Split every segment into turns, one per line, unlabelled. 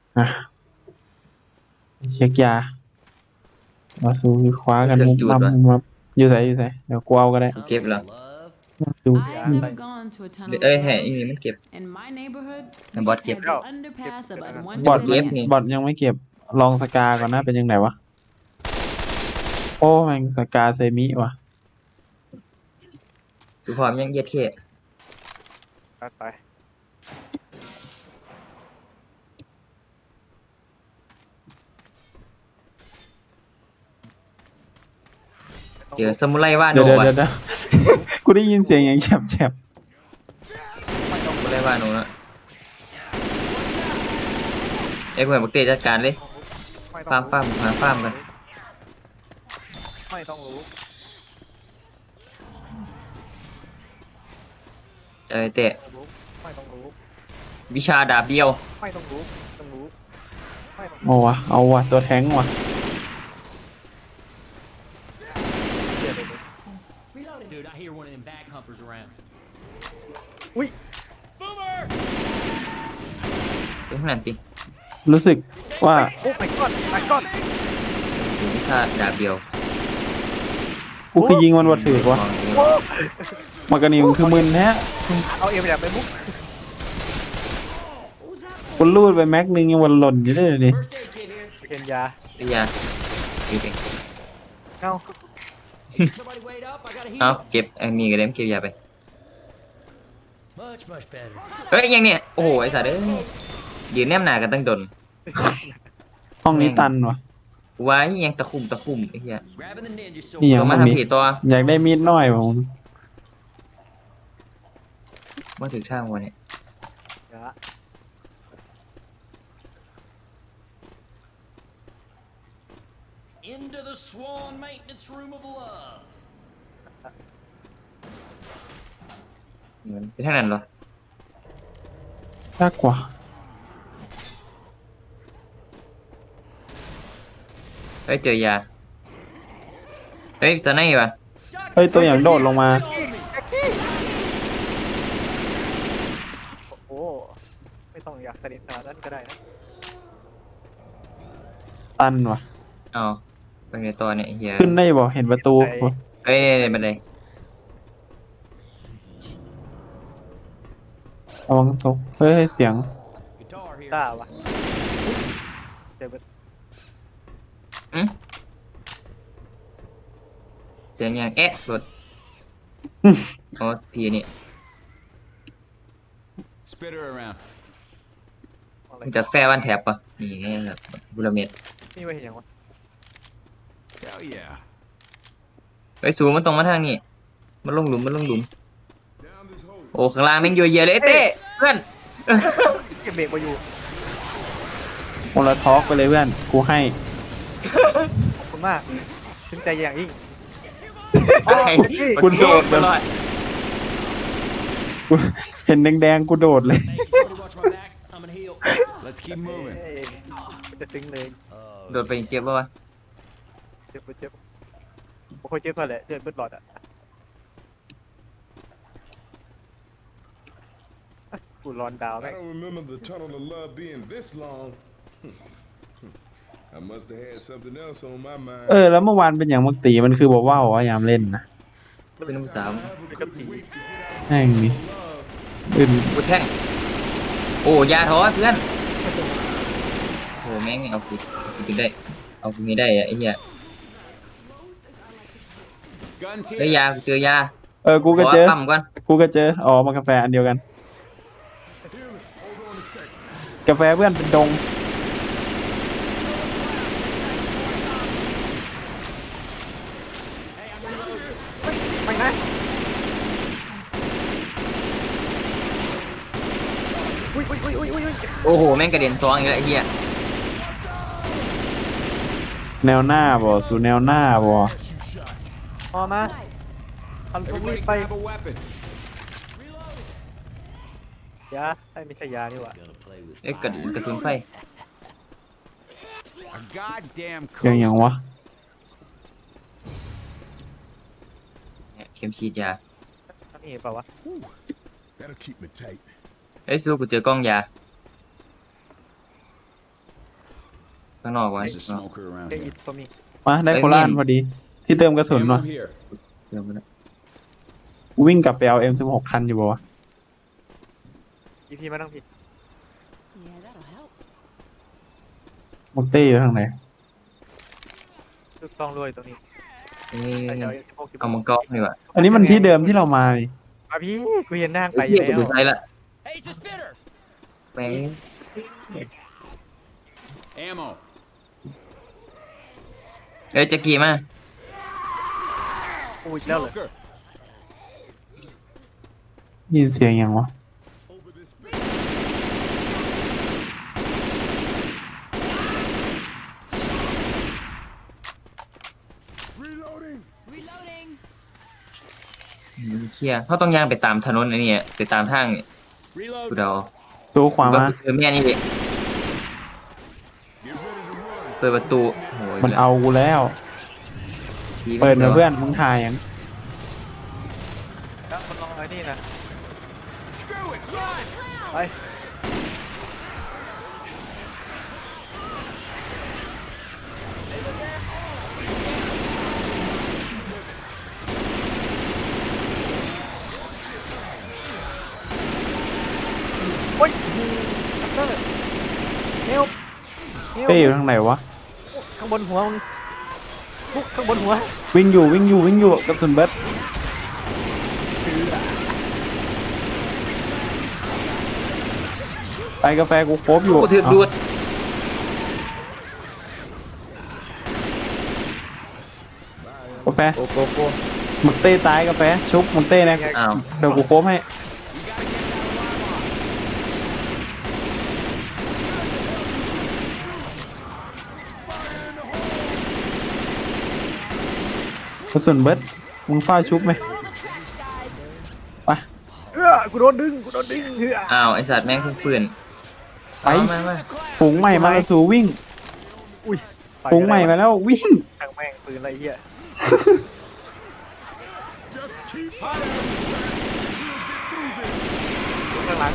อ่ะเช็คยามาสู้คว้ากัน
เครื่อง
มุมมัม
จูดวะ
มุมมัมอยู่ใส่เดี๋ยวกูเอาก็ได้
เก็บเหรอ
คือ
I have never gone to a tunnel
เอ้ย
of
ให้
love.
อันนี้มันเก็บ
In my neighborhood, we
บอส
just
เก็บ
had
แล้ว
the underpass of
เก็บ
บอท
unwanted
เก็บนี่
advances.
บอทยังไม่เก็บลองสกาก่อนนะเป็นยังไงวะโอ้แม่งสกาเซมิว่ะ
สุพรยังเย็ดเท่
ไป
เจอซามูไรว่าโน
เดี๋ยว
วะ
กูได้ยินเสียงอย่างแฉบ
ซามูไรว่าโนนะเอ้ยกูให้บักเต้จัดการเลย
ไม่
ฟาร์มกัน
ไม่ต้องรู้
เอ้ยเต้
ไม่ต้องรู้
วิชาดาบเดียว
ไม่ต้องรู้ต้องรู้ไม่ต้อง
ๆเอาวะตัวแท้งว่ะ
เสียเลย
Dude, I hear one of them bag humpers around.
อุ้ย
เป็นขนาดติ
รู้สึกว่า
โอ้ my god my god
วิชาดาบเดียว
กูคือยิงมันวัดถือวะมากระนิมคือมึนแท้
เอาเอ็มแบบไปมุก
กูรูดไปแม็กนึงยังวันหล่นอยู่เลยดิ
Birthday kid here.
เอ็นยา
วิทยาเก็บเอง
เอ้า
Somebody wait up. I gotta
เอา
heal.
เก็บอันนี้ก็ได้เก็บยาไป
Much better.
เฮ้ยยังเนี่ยโอ้โหไอ้สัตว์เอ้ยยืนแนมหนากันตั้งดน
ห้องนี้ตันว่ะ
ไว้ยังตะคุ่มไอ้เหี้ย
Grabbing the ninja
นี่
sword.
ยัง
เอามา
ห้องนี้
ทำผีตัว
อยากได้มีดน้อยผม
มาถึงช่างวันเนี่ย
ยา
Into the swan maintenance room of love.
เหมือนเป็นเท่านั้นเหรอย
ากกว่า
เฮ้ยเจอยาเฮ้ยสไนป์ป่ะ
เฮ้ยตัวอย่างโดดลงมา
โอ้ไม่ต้องอยากสนิทขนาดนั้นก็ได้นะ
ตันว่ะ
อ๋อเป็นไงตัวเนี่ยไอ้เหี้ย
ขึ้นได้บ่เห็นประตู
เฮ้ยเนี่ยบันได
ระวังตกเฮ้ยเสียง
Guitar here.
กล้าวะเดี๋ยว
เสียงยังเอ๊ะรถอ๋อพี่นี่
Spit her around.
อะไร
มันจะแฟวันแถบป่ะนี่ไงแบบบุรเมต
นี่ไม่เห็นอย่างวะ
Hell yeah.
เฮ้ยสูงมันตรงมาทางนี้มันลงหลุม
Down this hole.
โอ้ข้างล่างแม่งเยอะแยะเลยไอ้เต้เพื่อน
เก็บเบรกมาอยู่
โมลทอกไปเลยเพื่อน กูให้
ขอบคุณมากชื่นใจอย่างยิ่ง
ไอ้
คุณโดด
ตลอด
กูเห็นแดงๆกูโดดเลย
Thank you. Somebody watch my back. I'm gonna heal.
Let's keep moving.
เอ้ยจะซึ้งเลย
โดดไปเจ็บป่ะวะ
เจ็บไม่ค่อยเจ็บเท่าไหร่เลือดเบิดหลอดอ่ะกูรอนดาว
I
แม่ง
don't remember the tunnel of love being this long. I must have had something else on my mind.
แล้วเมื่อวานเป็นอย่างมักตีมันคือบอกว่าวะยามเล่นนะ
เป็นน้ำสาม
เป็นกระผี
แม่งนี่อื่น
กูแท่งโอ้ยาท้อเพื่อนโอ้แม่งเอากูได้เอากูไม่ได้อะไอ้เหี้ย
Guns
เฮ้ย
here.
ยากูเจอยา
กูก็เจอ
ขปั๊มก่อน
มากาแฟอันเดียวกัน กาแฟเพื่อนเป็นดง
ไม่นะอุ้ย
โอ้โหแม่งกระเด็นซองอีกแล้วไอ้เหี้ย
แนวหน้าบ่สู่แนวหน้าบ่
พอมาทำทุกรี
Everybody
บไป
grab a weapon.
ยาไม่ใช่ยานี่หว่า
Gonna play with
เอ้ยกระสุนไฟ
A goddamn
เสียงอย่าง
coaster.
วะ
เนี่ยเข็มฉีดยา
อันนี้เปล่าวะ
That'll keep me tight.
เอ้ยสู้กูเจอกล้องยาข้างนอกวะ
There's a smoker around
เอ้ย
here.
ตัวมี
มาได้โคราชพอดี ที่เติมกระสุน
Ammo
วะ
here.
เดี๋ยวมัน
วิ่งกลับไปเอา M16 ทันอยู่ปะวะ
อีพีมาทั้งพี่
Yeah, that'll help.
มุกเต้อยู่ทางไหน
ลูกซองรวยตัวนี้
เอ้
ใส่
ย
เดี๋ยว16
เอามังกรดีกว่า
อันนี้มันที่เดิมที่เรามานี่
มาพี่กูเห็นนั่งไป
ไอ้
อ
เหี้
ยู่
ย
แล้
กู
ว
ใช้ละ
Hey, it's a spitter.
แม่ง
Ammo.
เอ้ยแจ็คกี้มา
กูอีกแล้วเหรอ
Smoker.
ยินเสียงยังวะ
Reloading.
Reloading.
เฮียเขาต้องย่างไปตามถนนไอ้นี่ไปตามทางนี่
Reload.
กูเดา
ตู้ขวามา
เออแม่นี่เด็เปิดประตูโอ้ย
มันเอากูแล้ว
ผี
เปิด
แล้
มาว เพื่อนมึงทายยัง
แล้วมันลองไอ้นี่นะ
Screw it. Run.
ไป โอ้ยคัตเตอร์เฮลเฮล
เต้อยู่ทางไหนวะ
ข้างบนหัวมึงปุ๊กข้างบนหัว
วิ่งอยู่กระสุนเบิร์ดไปกาแฟกูครบอยู่
กูถือดูด
กาแฟ
โกโก้
มึกเต้ตายกาแฟชุบมึกเต้นะ
อ้าว
เดี๋ยวกูครบให้กระสุนเบิร์ดมึงเฝ้าชุบไหมไป
กูโดนดึงเฮ้อ
อ้าวไอสัตว์แม่งเพิ่งฟื้น
ไป
เอามา
ฝูงใหม่มากระสูวิ่ง
อุ้ย
ฝูงใหม่มาแล้ววิ่ง
ทางแม่งปืนอะไรเหี้ย
Just keep
ข้างหลัง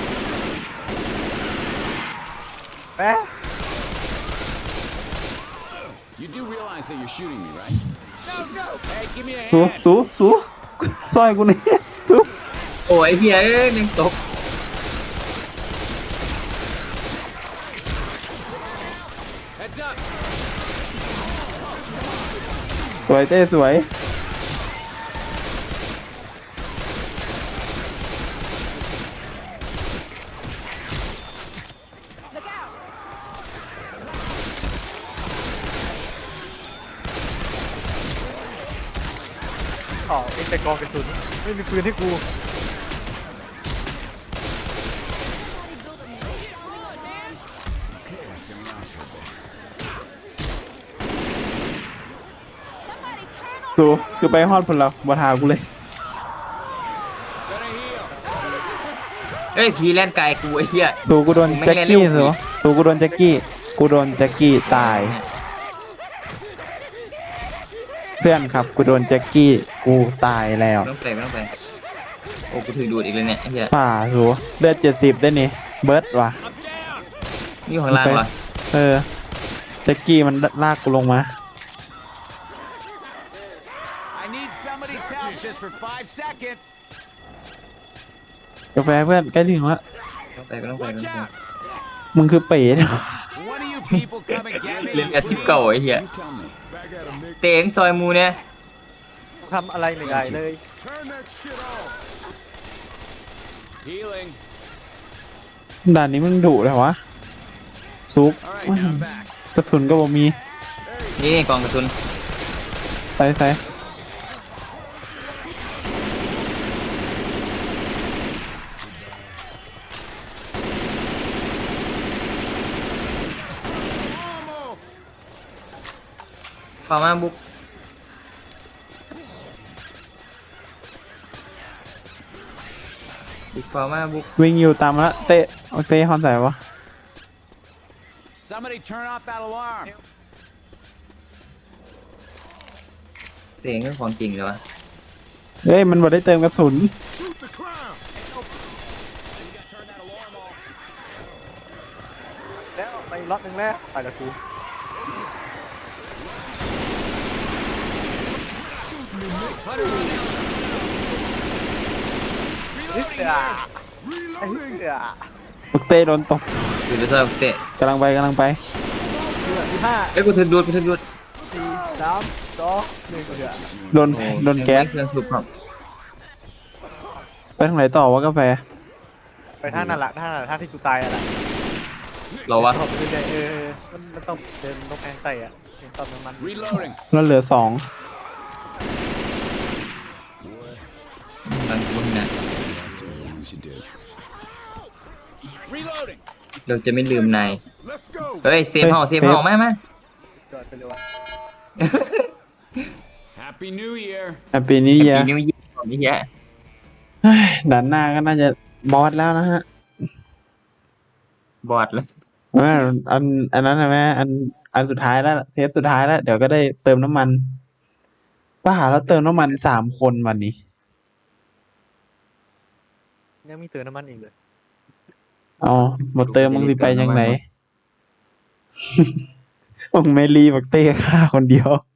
แป๊ะ
You do realize that you're shooting me, right?
Hey, give me a
สู
hand.
สูซอยกูนี่สู
โอ้ยไอ้เฮียเอ้ยแม่งตก
Heads up.
สวยเต้สวย
อ๋อเอ็งแต่กองกระสุนไม่มีปืนให้กู
สูคือไปฮอดพลเราบ่ทากูเลย
เอ้ยผีแล่นไกลกูไอ้เหี้ย
สูกูโดนแจ็คกี้สูสูกูโดนแจ็คกี้กูโดนแจ็คกี้ตาย เพื่อนครับกูโดนแจ็คกี้กูตายแล้ว
ไม่ต้องไปโอ้กูถือดูดอีกเลยเนี่ยไอ้เหี้ย
ป่าสูเลือด70ได้นี่เบิร์ดว่ะ
นี่อยู่ข้างล่างวะ
เออแจ็คกี้มันลากกูลงมา
I need somebody's help just for 5 seconds.
กาแฟเพื่อนใกล้ถึงแล้ว
ก็ต้องไป
Watch out.
มึงคือเป๋เนี่ย
One of you people come and get me.
เล่นแอซิปเก่าไอ้เหี้ย
You tell me.
back at him, Nick.
เตงซอยมูเนี่ย
กูทำอะไรไม่ได้เลย
Turn that shit off.
Healing.
ด่านนี้มึงดุเลยวะซุก
All right, now I'm back.
กระสุนก็บ่มี
นี่กองกระสุน
ใส่
ฟาร์มาบุกบุกฟาร์มาบุก
วิ่งอยู่ตามมาละเตะเอาเตะฮอนใส่วะ
Somebody turn off that alarm.
เตงก็ของจริงเลยวะ
เฮ้ยมันบ่ได้เติมกระสุน
Shoot the clown.
แล้วไปล็อตหนึ่งแล้วไปละกู
Got
นิดเดียวไอ้นิด
Reloading.
เดียว
บักเต้โดนตบ
อยู่ในซอยเตะ
กำลังไปกำลังไป
เหลือที่ห้า
เอ้ยกูถึงดูดกูถึงดูด
สี่สามสองหนึ่งเดียว
โดนโดนแก๊ส
เครื่องสูบครับ
ไปทางไหนต่อวะกาแฟ
ไปท่านั่นแหละท่านั่นแหละท่าที่กูตายนั่นแหละ
เราวะ
ผมไปเรื่อยมันต้องเดินลงแองไตอ่ะเดินตอนน้ำมัน
Reloading.
แล้วเหลือสอง
บางคนนะ
Reloading.
เราจะไม่ลืมนาย
Let's go.
เฮ้ยเซฟเฮาเซฟเฮามา
จอดไปเลยว่ะ
Happy New Year.
ปีนี้
ปี
เยอะ
นี้ไม่ยิ่งกว่านี้แยะ
ด่านหน้าก็น่าจะบอสแล้วนะฮะ
บอดแล้ว
ว่าอันนั้นนะแม่อันสุดท้ายแล้วเทปสุดท้ายแล้ว เดี๋ยวก็ได้เติมน้ำมันป้าหาแล้วเติมน้ำมัน3 คนวันนี้
ยังมีเติมน้ำมันอีกเลย
อ๋อหมดเติมมึงสิไปยังไหน มึงไม่รีบักเต้ฆ่าคนเดียว